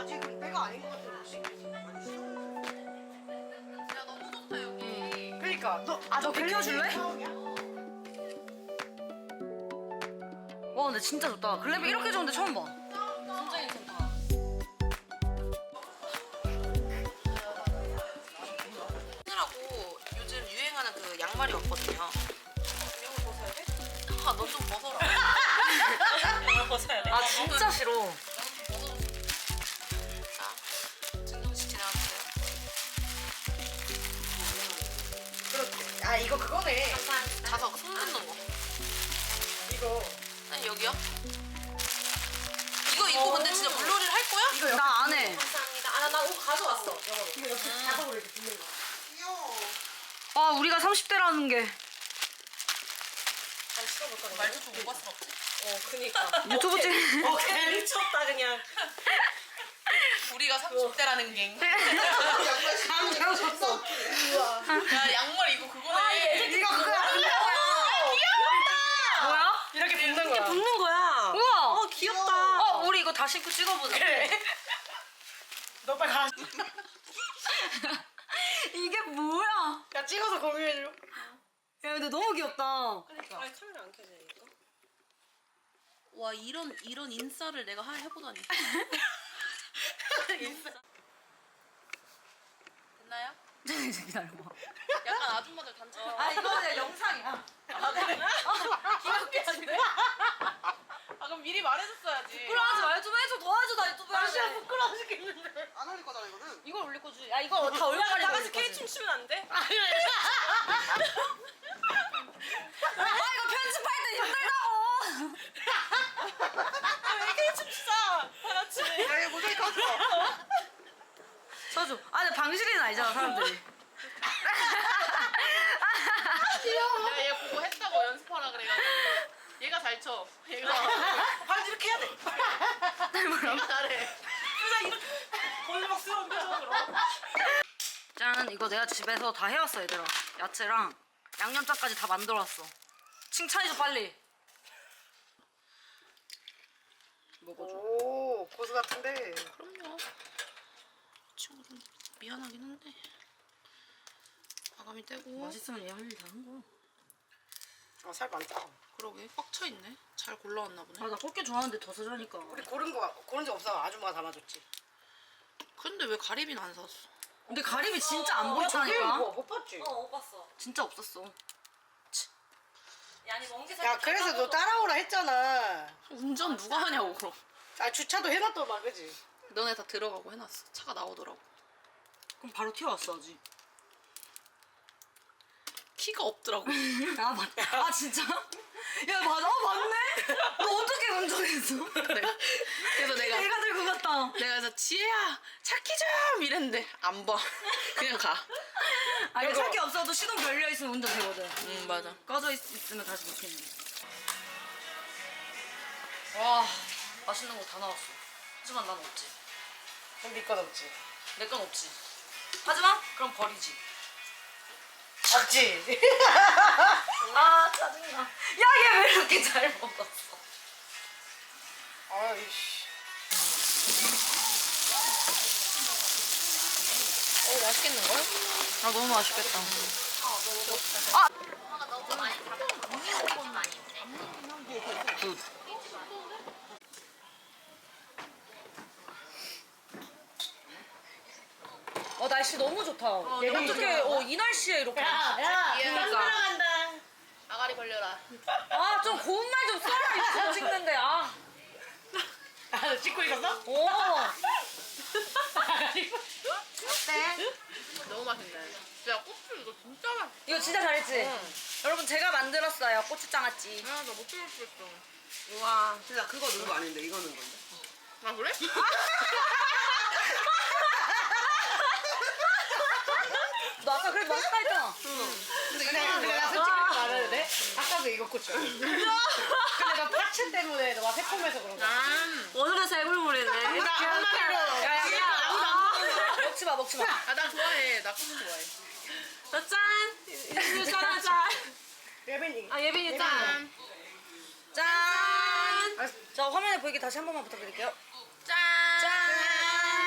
아직 때가 아닌 것 같아 혹시? 야 너무 좋다 여기. 그러니까 너 빌려줄래? 와 근데 진짜 좋다. 글램핑 이렇게 좋은데 처음 봐. 진짜 괜찮다. 신으라고 요즘 유행하는 그 양말이 왔거든요. 이거 벗어야 돼? 아, 너 좀 벗어라. 이거 벗어야 돼? 아 진짜 싫어. 자, 증정씨 지나가세요. 그렇지. 아 이거 그거네. 자석 손 긋는 거. 이거 아니 여기요? 이거 입고 근데 진짜 물놀이를 할 거야? 이거 나 안 해. 감사합니다. 아, 나 옷 가져왔어. 이거 옆에 자석으로 이렇게 붙는 거. 귀여워. 아 우리가 30대라는 게 잘 찍어볼까? 말도 좀 오바스럽지? 그니까. 유튜브 찍. 미쳤다 그냥. 우리가 30대라는 게. 감정 줬어. 야, 양말 이거 그거네. 이거 그거 아니야? 뭐야? 이렇게 붙는 거야. 붙는 거야. 우와. 귀엽다. 우리 이거 다 신고 찍어보자. 그래. 너 빨리 가. 이게 뭐야? 야 찍어서 공유해줘. 야 근데 너무 귀엽다. 그러니까. 아니 카메라 안 켜지니까. 와, 이런 인싸를 내가 해보다니. 됐나요? 기다려봐. 약간 아줌마들 단체. 아 이거 그냥 영상이야. 아, 그래? 귀엽게 하시네. 아, 그럼 미리 말해줬어야지. 부끄러워하지 말 좀 해줘. 도와줘 나 유튜브에. 진짜 부끄러워 죽겠는데. 안 올릴 거잖아 이거는. 이걸 올릴 거지. 야 이거 다 얼마 가리고 나가서 올릴 K 거지. 춤추면 안 돼? 아 이거 편집할 때 힘들다고. 왜 K 춤추자? 다 같이. 야 이거 모자이크 하지 마. 써줘. 아 근데 방실이는 아니잖아 사람들이. 야, 얘 보고 했다고 연습하라 그래가지고. 얘가 잘 쳐. 얘가. 발 이렇게 해야 돼. 얘가 잘해. 골목스러운 표정으로. 짠 이거 내가 집에서 다 해왔어 얘들아. 야채랑 양념장까지 다 만들어왔어. 칭찬해줘 빨리. 먹어줘. 오 고수 같은데. 그럼요. 친구 좀 미안하긴 한데. 과감히 떼고. 맛있으면 얘 할 일 다 한 거야. 살 많다. 그러게 꽉 차 있네. 잘 골라왔나 보네. 아 나 꽃게 좋아하는데 더 사자니까. 우리 고른 적 없어. 아줌마가 담아줬지. 근데 왜 가리비는 안 샀어? 근데 가리비 진짜 안 저기 보였다니까. 뭐 못 봤지? 못 봤어. 진짜 없었어. 야, 아니 멍게 야 그래서 너 따라오라 했잖아. 운전 누가 하냐고 그럼. 아 주차도 해놨더만 그지? 너네 다 들어가고 해놨어. 차가 나오더라고. 그럼 바로 튀어왔어야지. 키가 없더라고. 아 맞다. 아 진짜? 야 맞아. 맞네. 너 어떻게 운전했어? 그래서 내가 내가 들고 갔다. 그래서 지혜야 차키 좀 이랬는데 안 봐. 그냥 가. 아 이거 차키 없어도 시동 걸려 있으면 운전 되거든. 응 맞아. 꺼져 있으면 다시 못 켜는. 와 맛있는 거 다 나왔어. 하지만 난 없지. 그럼 니건 없지. 내 건 없지. 하지만 그럼 버리지. 없지. 아 짜증나. 야 얘 왜 이렇게 잘 먹었어? 아이씨. 맛있겠는걸? 아 너무 맛있겠다. 굿. 날씨 너무 좋다. 어떻게 이 날씨에 이렇게. 야, 그러니까. 사랑한다. 아가리 벌려라. 아 좀 고운 말 좀 써라 유튜브 찍는데. 아. 아, 찍고 있었어? 오. 어때? 너무 맛있네. 야 고추 이거 진짜 맛있어. 이거 진짜 잘했지? 여러분 제가 만들었어요 고추장아찌. 아나못 찍을 뻔했어. 우와. 진짜 그거 넣은 거 아닌데 이거 넣은 건데. 아 그래? 너 아까 그래 맛있다 했잖아. 근데 내가 솔직히 말해도 돼? 아까도 이거 고추. 근데 나 파츠 때문에 너가 새콤해서 그런 거야. 오늘은 살굴물이네. 나 한마디로. 야야야. 먹지 마 먹지 마. 아나 좋아해. 나 고추 좋아해. 짠. 이거 짠. 예빈이. 아 예빈이 짠. 짠. 자 화면에 보이게 다시 한 번만 부탁드릴게요. 짠. 짠.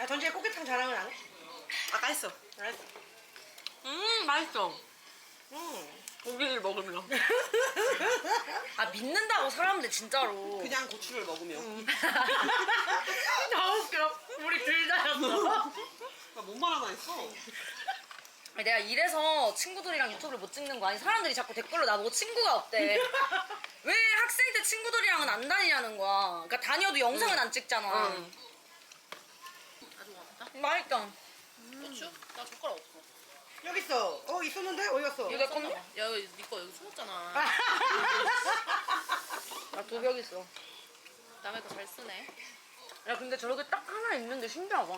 아 전주에 꽃게탕 자랑은 안 해? 아까 했어. 알았어. 맛있어. 고기를 먹으면. 아 믿는다고 사람들 진짜로. 그냥 고추를 먹으면. 너무 웃겨. 우리 둘 다였어. 나뭔 말 하나 했어? 아니, 내가 이래서 친구들이랑 유튜브를 못 찍는 거 아니 사람들이 자꾸 댓글로 나보고 친구가 없대. 왜 학생 때 친구들이랑은 안 다니냐는 거야. 그러니까 다녀도 영상은 안 찍잖아. 응. 아주 맛있다. 맛있다. 고추? 나 젓가락 없어. 여기 있어. 있었는데 어디 갔어? 이거 내 건데? 야, 여기 니거 여기 숨었잖아. 나 두 벽 있어. 남의 거 잘 쓰네. 야 근데 저렇게 딱 하나 있는데 신기하다.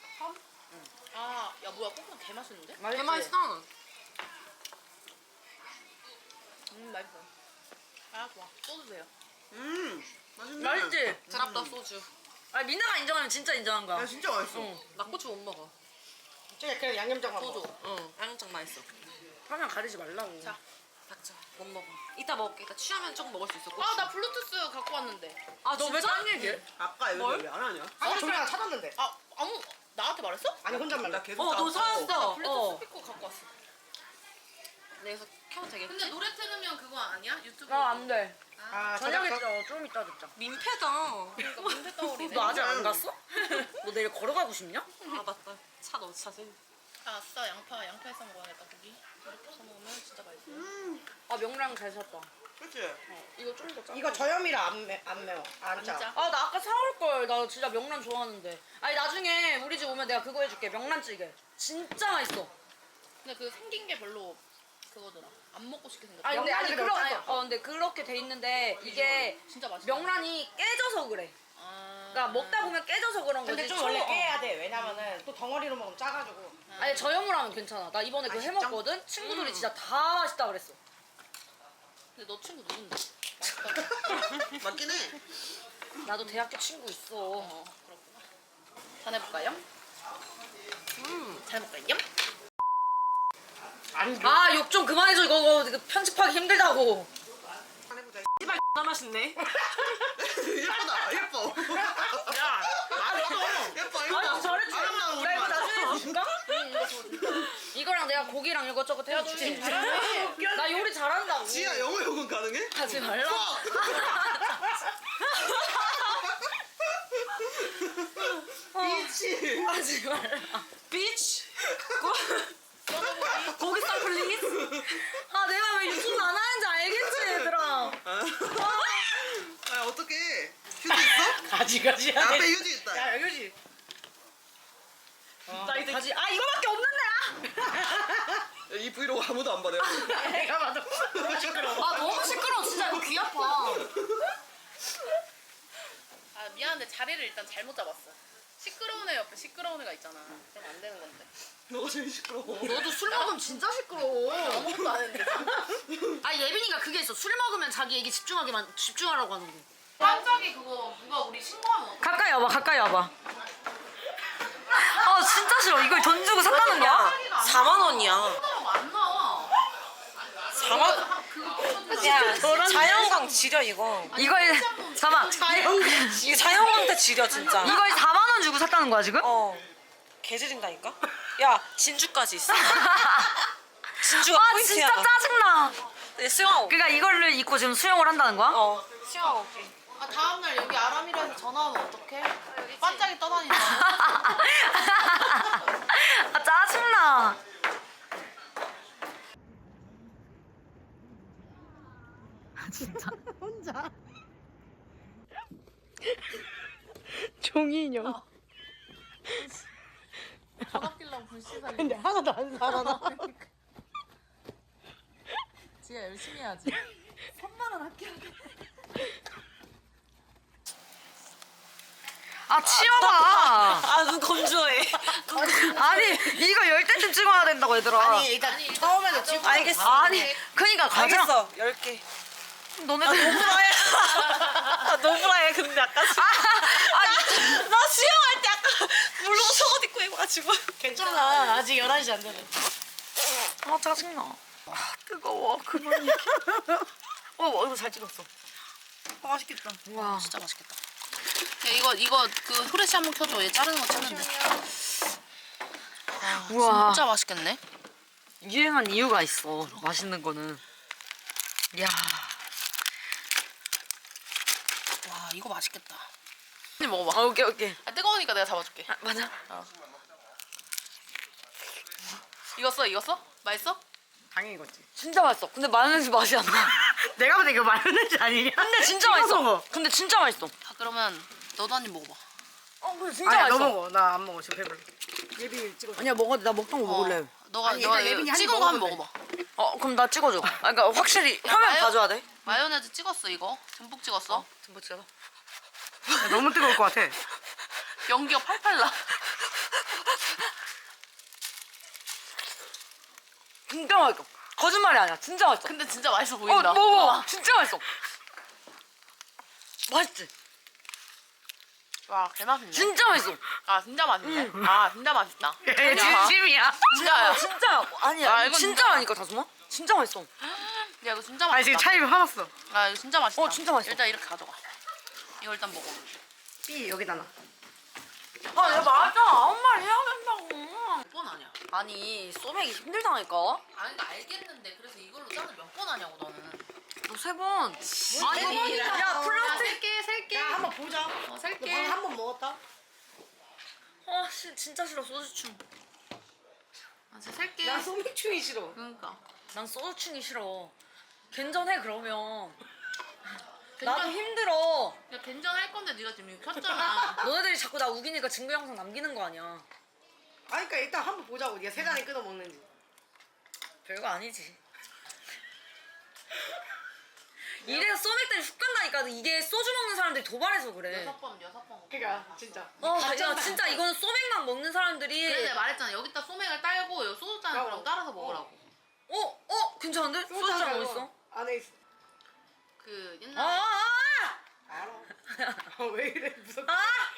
아, 야 뭐야 꼬꼬 개 맛있는데? 맛있지? 맛있어. 맛있어. 아 좋아. 소주 세요. 맛있네. 맛있지? 드랍다 소주. 아니 민나가 인정하면 진짜 인정한 거야. 야 진짜 맛있어. 응. 나 고추 못 먹어. 저기 그냥 양념장만 소주. 먹어. 응. 양념장 맛있어. 화면 가리지 말라고. 자, 닥쳐. 못 먹어. 이따 먹을게. 이따 취하면 조금 먹을 수 있어. 아, 나 블루투스 갖고 왔는데. 아, 너 왜 딴 얘기해? 아까 여기 뭘? 왜안 하냐? 아까 전화 찾았는데. 아, 나한테 말했어? 아니 혼잣말. 나 계속 너 찾았어. 블루투스 스피커 갖고 왔어. 내가 켜도 되겠지? 근데 노래 틀으면 그거 아니야? 유튜브. 안 돼. 아 저녁에 저녁에 좀 이따 듣자. 민폐다. 그러니까 민폐 떠오르네. 너 아직 안 갔어? 너 내일 걸어가고 싶냐? 아, 맞다. 차 넣어, 차세. 아, 아싸. 양파에서 먹어야겠다, 고기. 이렇게 해서 먹으면 진짜 맛있어. 아 명랑 잘 샀다. 그렇지. 이거 좀 더 짜. 이거 저염이라 안 매워. 안 짜. 진짜? 아 나 아까 사올 걸. 나 진짜 명란 좋아하는데. 아니 나중에 우리 집 오면 내가 그거 해줄게. 명란찌개. 진짜 맛있어. 근데 그 생긴 게 별로 그거더라. 안 먹고 싶게 생겼다. 아니 근데 명란이 그러 어쩔 아니, 수 없어. 근데 그렇게 돼 있는데 이게 진짜 맛있어. 명란이 깨져서 그래. 아. 그러니까 먹다 보면 깨져서 그런 거지. 근데 좀 처음- 원래 깨야 돼. 왜냐면은 또 덩어리로 먹으면 짜가지고. 아니 저염으로 하면 괜찮아. 나 이번에 그거 진짜? 해먹거든. 친구들이 진짜 다 맛있다 그랬어. 근데 너 친구 누군데? 맞긴 해. 나도 대학교 친구 있어. 그렇구나. 전해볼까요? 잘 먹을까요? 아니 아 욕 좀 그만해줘. 이거 편집하기 힘들다고. 해보자. 나 맛있네. 예쁘다. 예뻐. 야, 예뻐. 아니 잘했지. 아름다운 나 이거 우리말. 나중에 줄까? 이거랑 내가 고기랑 이것저것 해줄게. 나 요리 잘한다고. 지야 영어 요금 가능해? 하지 말라. 미치. 하지 말라. 비치. 고기 쌈 플리즈. 아 내가 왜 유튜브 안 하는지 알겠지 얘들아. 아 어떡해. 휴지 있어? 가지가지 앞에 휴지 있다. 야 여기지. 나 이제 가지. 아 이거밖에 없는데. 이 브이로그 아무도 안 봐. 내가 봐도 시끄러워. 아 너무 시끄러워 진짜 이거 귀 아파. 아 미안한데 자리를 일단 잘못 잡았어. 시끄러운 애 옆에 시끄러운 애가 있잖아. 그럼 안 되는 건데. 너가 제일 시끄러워. 너도 술 먹으면 진짜 시끄러워. 아무것도 안 했는데. 아 예빈이가 그게 있어. 술 먹으면 자기 얘기 집중하라고 하는 거. 깜짝이 그거 누가 우리 신고하면 어떡해? 가까이 와봐. 가까이 와봐. 아 진짜 싫어. 이걸 돈 주고 샀다는 거야? 4만 원이야. 안 나와. 4만 야 자연광 지려 이거 이거에 잠깐. 이거 자연광 때 지려 진짜 이거에 4만 원 주고 샀다는 거야 지금? 어 개지린다니까 야 진주까지 있어 진주가 아 포인트야 진짜 짜증나. 네, 수영하고 그러니까 이거를 입고 지금 수영을 한다는 거야? 어 수영하고 올게 아 다음날 여기 아람이라서 전화하면 어떡해? 반짝이 떠다니잖아. 아 짜증나. 진짜 혼자. 종이 인형. 전업길랑 불시사리. 근데 하나도 안 살아나. 지가 열심히 해야지. 아 치워봐. 아눈 건조해 아니 이거 열 때쯤 찍어야 된다고 얘들아. 아니 일단 처음에는 지금 알겠어 아니 그니까 가자. 알겠어 10개 너네들 아 노브라해 근데 아까 나 수영할 때 아까 물로 속옷 입고 해가지고 괜찮아. 아직 11시 안 되네. 아 짜증나. 아 뜨거워 그만. 이거 잘 찍었어. 맛있겠다. 와 진짜 맛있겠다. 이거 그 후레쉬 한번 켜줘. 얘 자르는 거 찾는데. 우와. 진짜 맛있겠네. 유행한 이유가 있어. 맛있는 거는. 이야. 와 이거 맛있겠다. 언니 먹어봐. 오케이 오케이. 아, 뜨거우니까 내가 잡아줄게. 아, 맞아. 익었어? 맛있어? 당연히 이거지. 진짜 맛있어. 근데 마요네즈 맛이 안 나. 내가 보다 이거 마요네즈 아니냐? 근데 진짜 찍어서 맛있어. 먹어. 근데 진짜 맛있어. 아 그러면 너도 한 입 먹어봐. 근데 진짜 아니야, 맛있어. 너 먹어. 나 안 먹어. 지금 배불러. 예비 찍어. 아니야 먹어. 나 먹던 거 먹을래. 너가 아니, 너가 일단 예빈이 한입 찍은 거 한번 먹어도 먹어봐. 그럼 나 찍어줘. 그러니까 확실히 화면 마요- 봐줘야 돼. 마요네즈 찍었어 이거. 듬뿍 찍었어. 좀 찍어. 야, 너무 뜨거울 것 같아. 연기가 팔팔 나. 진짜 맛있어. 거짓말이 아니야. 진짜 맛있어. 근데 진짜 맛있어 보인다. 먹어. 진짜 맛있어. 맛있지? 와 개맛있네. 진짜 맛있어. 아 진짜 맛있네. 아 진짜 맛있다. 얘 진심이야. 진짜야. 진짜 아니야. 아, 이건 진짜라니까 다솜아. 진짜 맛있어. 야 이거 진짜 아니 지금 맛있다. 차이가 화났어. 아 이거 진짜 맛있다. 진짜 맛있어. 일단 이렇게 가져가. 이거 일단 먹어. 삐 여기다 놔. 야 맞아. 아무 말 해야 된다고. 몇 번 하냐? 아니 소맥이 힘들다니까. 아니 나 알겠는데 그래서 이걸로 짠을 몇 번 하냐고 너는. 너 3번. 아니 야 플라스틱. 살게. 야 한번 보자. 너 살게. 방금 한 번 먹었다. 진짜 싫어 소주충. 아 진짜 살게. 나 소맥충이 싫어. 그러니까. 난 소주충이 싫어. 괜전해 그러면. 나도 괜찮- 힘들어. 야 된장 할 건데 네가 지금 이거 켰잖아. 너네들이 자꾸 나 우기니까 증거 영상 남기는 거 아니야. 아니 그러니까 일단 한번 보자고. 네가 세 잔에 끊어 먹는지. 별거 아니지. 이래서 소맥 때문에 훅 간다니까. 이게 소주 먹는 사람들이 도발해서 그래. 6번. 그러니까 진짜. 야 진짜 이거는 소맥만 먹는 사람들이. 그래 내가 말했잖아. 여기다 소맥을 딸고 여기 소주잔을 그럼 따라서 먹으라고. 괜찮은데? 소주잔 어딨어? 안에 있어. 그 아, 옛날에 알아. 왜 이래 무섭게.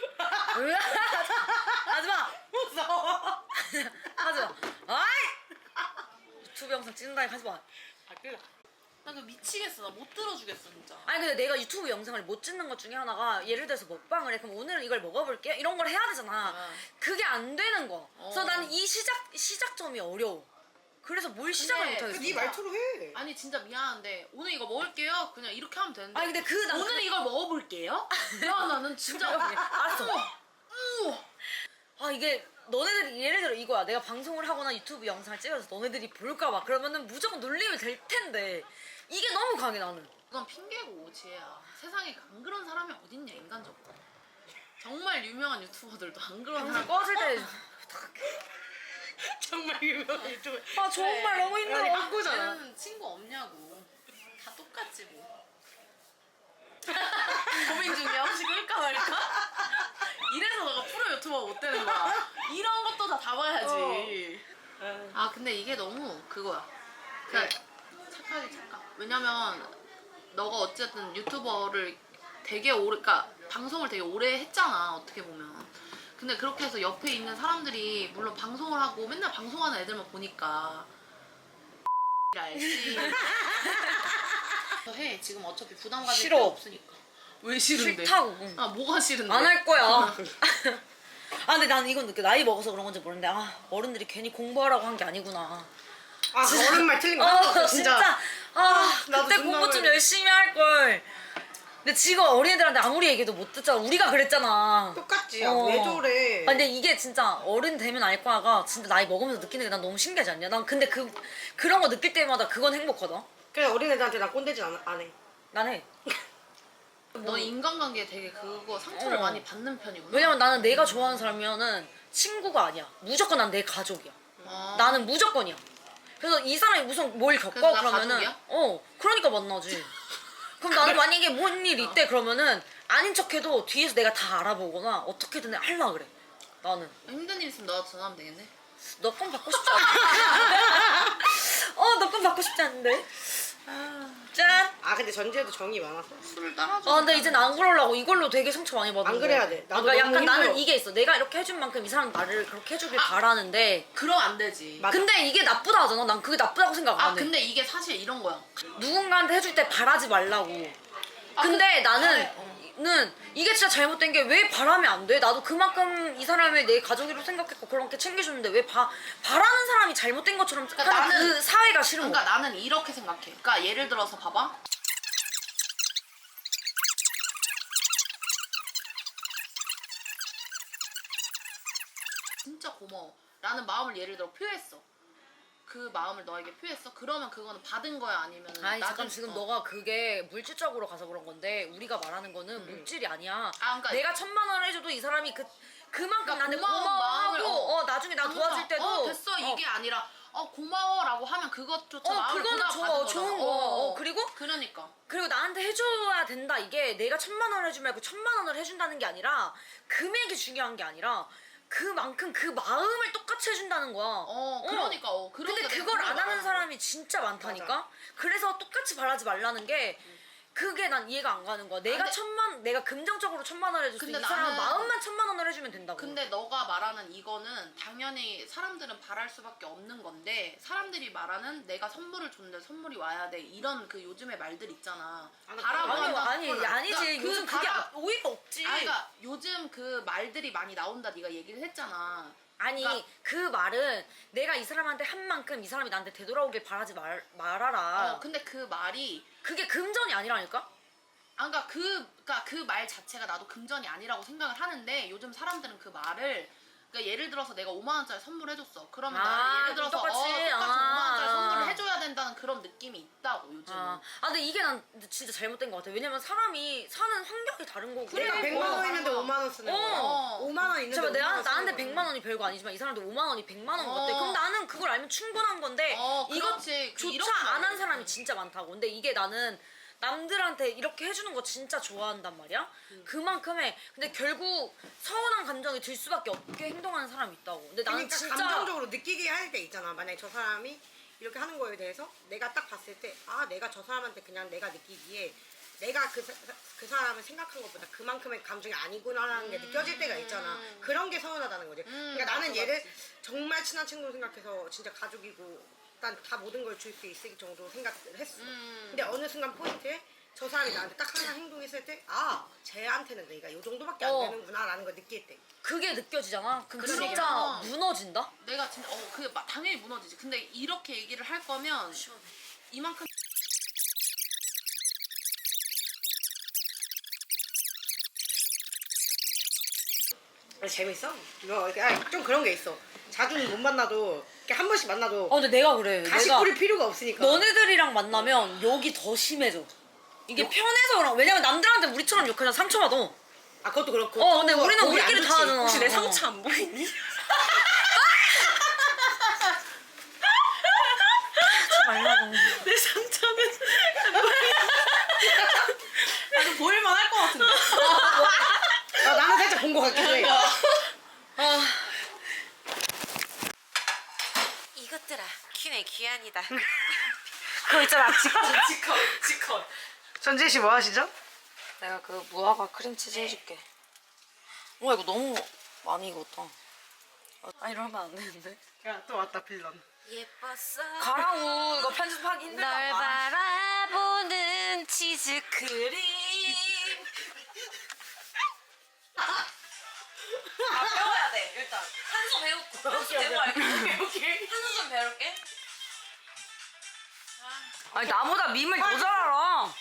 하지마. 무서워. 하지마. 아이. 유튜브 영상 찍는다니 하지마. 아 그래. 나 그거 미치겠어. 나 못 들어주겠어 진짜. 아니 근데 내가 유튜브 영상을 못 찍는 것 중에 하나가 예를 들어서 먹방을 해. 그럼 오늘은 이걸 먹어볼게. 이런 걸 해야 되잖아. 그게 안 되는 거야. 그래서 나는 이 시작점이 어려워. 그래서 뭘 시작을 근데 못하겠어. 네 말투로 해. 아니 진짜 미안한데 오늘 이거 먹을게요. 그냥 이렇게 하면 되는데. 아니 근데 난 오늘 이걸 먹어볼게요? 야 나는 진짜 알았어. 이게 너네들이 예를 들어 이거야. 내가 방송을 하거나 유튜브 영상을 찍어서 너네들이 볼까 봐. 그러면은 무조건 놀리면 될 텐데 이게 너무 강해 나는. 그건 핑계고 지혜야. 세상에 안 그런 사람이 어딨냐 인간적으로. 정말 유명한 유튜버들도 안 그런 방송 사람. 꺼질 때 정말 유명한 유튜브. 정말 너무 힘들어. 바꾸잖아. 얘는 친구 없냐고. 다 똑같지 뭐. 고민 중이야. 혹시 끌까 말까? 이래서 너가 프로 유튜버 못 되는 거야. 이런 것도 다 봐야지. 아 근데 이게 너무 그거야. 그냥 착각. 왜냐면 너가 어쨌든 유튜버를 되게 오래, 그러니까 방송을 되게 오래 했잖아 어떻게 보면. 근데 그렇게 해서 옆에 있는 사람들이 물론 방송을 하고 맨날 방송하는 애들만 보니까 알지. 해 지금 어차피 부담 가질 싫어. 필요 없으니까. 왜 싫은데? 싫다고. 아 뭐가 싫은데? 안 할 거야. 근데 나는 이건 느껴. 나이 먹어서 그런 건지 모르는데 어른들이 괜히 공부하라고 한 게 아니구나. 어른 말 틀린 거 하나도 없어, 진짜. 나도 그때 존나 공부 좀 그래. 열심히 할 걸. 근데 지금 어린애들한테 아무리 얘기해도 못 듣잖아. 우리가 그랬잖아. 똑같지. 야, 왜 저래? 근데 이게 진짜 어른 되면 알 거야가 진짜 나이 먹으면서 느끼는 게 난 너무 신기하지 않냐? 난 근데 그런 거 느낄 때마다 그건 행복하다. 그래 어린애들한테 나 꼰대질 안 해. 난 해. 너 인간관계에 되게 그거 상처를 많이 받는 편이구나. 왜냐면 나는 내가 좋아하는 사람이면은 친구가 아니야. 무조건 난 내 가족이야. 아. 나는 무조건이야. 그래서 이 사람이 무슨 뭘 겪어 그래서 나 그러면은 가족이야? 그러니까 만나지. 그럼 나는 만약에 뭔 일 있대 그러면은 아닌 척해도 뒤에서 내가 다 알아보거나 어떻게든 할라 그래. 나는 힘든 일 있으면 너한테 전화하면 되겠네. 너 건 받고 싶지 않아. 너 건 받고 싶지 않은데. 짠. 근데 전지에도 정이 많아서. 술을 따라줘. 근데 이젠 안 그러려고. 이걸로 되게 상처 많이 받는 안 그래야 돼. 나도 그러니까 너무 약간 나는 힘들어. 이게 있어. 내가 이렇게 해준 만큼 이 사람 나를 그렇게 해주길 바라는데. 그럼 안 되지. 맞아. 근데 이게 나쁘다 하잖아. 난 그게 나쁘다고 생각 안 해. 근데 이게 사실 이런 거야. 누군가한테 해줄 때 바라지 말라고. 근데 나는 우리는 이게 진짜 잘못된 게 왜 바라면 안 돼? 나도 그만큼 이 사람을 내 가족으로 생각했고 그렇게 챙겨줬는데 왜 바라는 사람이 잘못된 것처럼 그러니까 하는 나는- 그 사회가 싫은 그러니까 거야. 나는 이렇게 생각해. 그러니까 예를 들어서 봐봐. 진짜 고마워. 라는 마음을 예를 들어 표했어. 그 마음을 너에게 표했어. 그러면 그거는 받은 거야 아니면 아니 잠깐 지금 너가 그게 물질적으로 가서 그런 건데 우리가 말하는 거는 물질이 아니야. 그러니까 내가 1,000만 원을 해줘도 이 사람이 그만큼 그러니까 나한테 고마운 마음을, 고마워하고 나중에 나 도와줄 때도 됐어 이게 아니라 고마워라고 하면 그것조차 마음을 그거는 받은 좋은 거잖아. 거. 그리고 그러니까 나한테 해줘야 된다. 이게 내가 1,000만 원을 해주면 말고 1,000만 원을 해준다는 게 아니라 금액이 중요한 게 아니라 그만큼 그 마음을 똑같이 해준다는 거야. 그러니까 근데 내가 그걸 안 하는 말하는 사람이 진짜 많다니까. 그래서 똑같이 바라지 말라는 게 그게 난 이해가 안 가는 거야. 내가 금전적으로 1,000만 원을 해줬어. 이 근데 사람은 나는- 마음만 1,000만 원을 해주면 된다고. 근데 너가 말하는 이거는 당연히 사람들은 바랄 수밖에 없는 건데 사람들이 말하는 내가 선물을 줬는데 선물이 와야 돼 이런 그 요즘의 말들 있잖아. 바라고 한다. 아니지. 그러니까 요즘 그게 오히려 없지. 그러니까 요즘 그 말들이 많이 나온다 네가 얘기를 했잖아. 아니 그러니까- 그 말은 내가 이 사람한테 한 만큼 이 사람이 나한테 되돌아오길 바라지 말아라. 근데 그 말이 그게 금전이 아니라니까? 그러니까 그 말 자체가 나도 금전이 아니라고 생각을 하는데 요즘 사람들은 그 말을 그러니까 예를 들어서 내가 5만 원짜리 선물해줬어. 그러면 나는 예를 들어서 똑같이. 5만 원짜리 선물을 해줘야 된다는 그런 느낌이 있다고 요즘. 근데 이게 난 진짜 잘못된 것 같아. 왜냐면 사람이 사는 환경이 다른 거고. 내가 100만 원 있는데 5만 원 쓰는 거야. 5만 원 있는데 잠깐 5만 원 나한테 쓰는 100만 원이 별거 아니지만 이 사람도 5만 원이 100만 원 같아. 그럼 어. 나는 그걸 알면 충분한 건데 그렇지. 이렇게 이것조차 안 한 말해. 사람이 진짜 많다고. 근데 이게 나는 남들한테 이렇게 해주는 거 진짜 좋아한단 말이야. 그만큼의 근데 결국 서운한 감정이 들 수밖에 없게 행동하는 사람이 있다고. 근데 나는 그러니까 진짜 감정적으로 느끼게 할 때 있잖아. 만약에 저 사람이 이렇게 하는 거에 대해서 내가 딱 봤을 때 내가 저 사람한테 그냥 내가 느끼기에 내가 그 사람을 생각한 것보다 그만큼의 감정이 아니구나라는 게 느껴질 때가 있잖아. 그런 게 서운하다는 거지. 그러니까 나는 맞아, 얘를 정말 친한 친구로 생각해서 진짜 가족이고 일단 다 모든 걸 줄 수 있을 정도로 생각을 했어. 근데 어느 순간 포인트에 저 사람이 나한테 딱 하나 행동했을 때 쟤한테는 내가 이 정도밖에 안 되는구나 라는 걸 느낄 때. 그게 느껴지잖아. 그럼 그런 진짜 얘기야. 무너진다. 내가 진짜 그게 당연히 무너지지. 근데 이렇게 얘기를 할 거면 이만큼 재밌어? 좀 그런 게 있어. 자주는 못 만나도 이렇게 한 번씩 만나도 근데 내가 그래. 다시 내가 뿌릴 필요가 없으니까. 너네들이랑 만나면 욕이 더 심해져. 이게 편해서 그런. 왜냐면 남들한테 우리처럼 욕하잖아. 상처받아. 그것도 그렇고. 근데 우리는 거기 안 우리끼리 좋지. 다 하잖아. 혹시 내 상처 안 보이니? 말라고. 내 상처는 좀 보일만 할 것 같은데. 나는 살짝 본 거 같기도 해. 이것들아, 키네 귀한이다. 그거 있잖아. 지컷. 전지혜 씨 뭐 하시죠? 내가 그 무화과 크림치즈 해줄게. 이거 너무 많이 익었다. 이러면 안 되는데. 야, 또 왔다 빌런. 예뻤어. 가라고. 이거 편집하기 널 힘들다. 바라보는 치즈 크림. 배워야 돼. 일단 한수 배우고. 한수 배우고 할게. 한수 좀 배울게. 아니 나보다 밈을 더 잘 알아.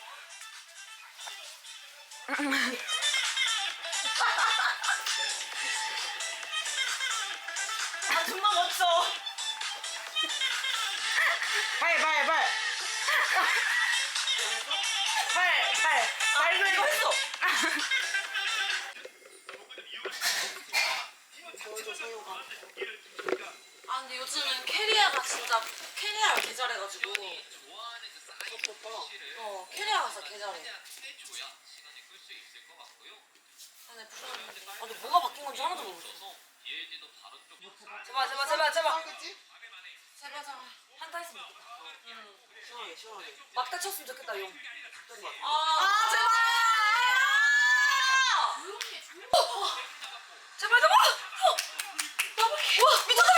정말 멋져. 발. 이거 했어. 근데 요즘은 캐리어가 진짜 캐리어를 개 잘해가지고. 캐리어 가서 개 잘해. 근데 뭐가 바뀐 건지 하나도 모르겠어. 제발. 제발. 한타 했으면 좋겠다. 시원하게. 막타 쳤으면 좋겠다, 용. 제발. 제발. 와, 미쳤다.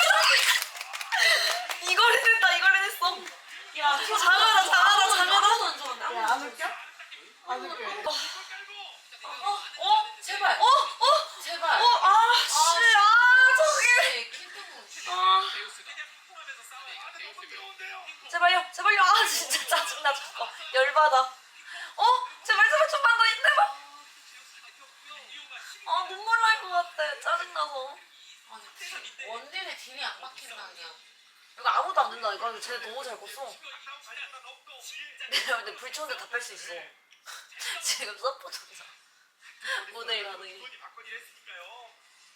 이걸 해냈어. 야, 잘하다. 야, 안 웃겨? 가서. 아니 원딜의 딜이 안 막힌다냐. 이거 아무도 안 된다니까. 근데 쟤네 너무 잘 껐어. 내가 근데 불쳤는데 다 뺄 수 있어. 지금 서포터잖아. 모델 가능해.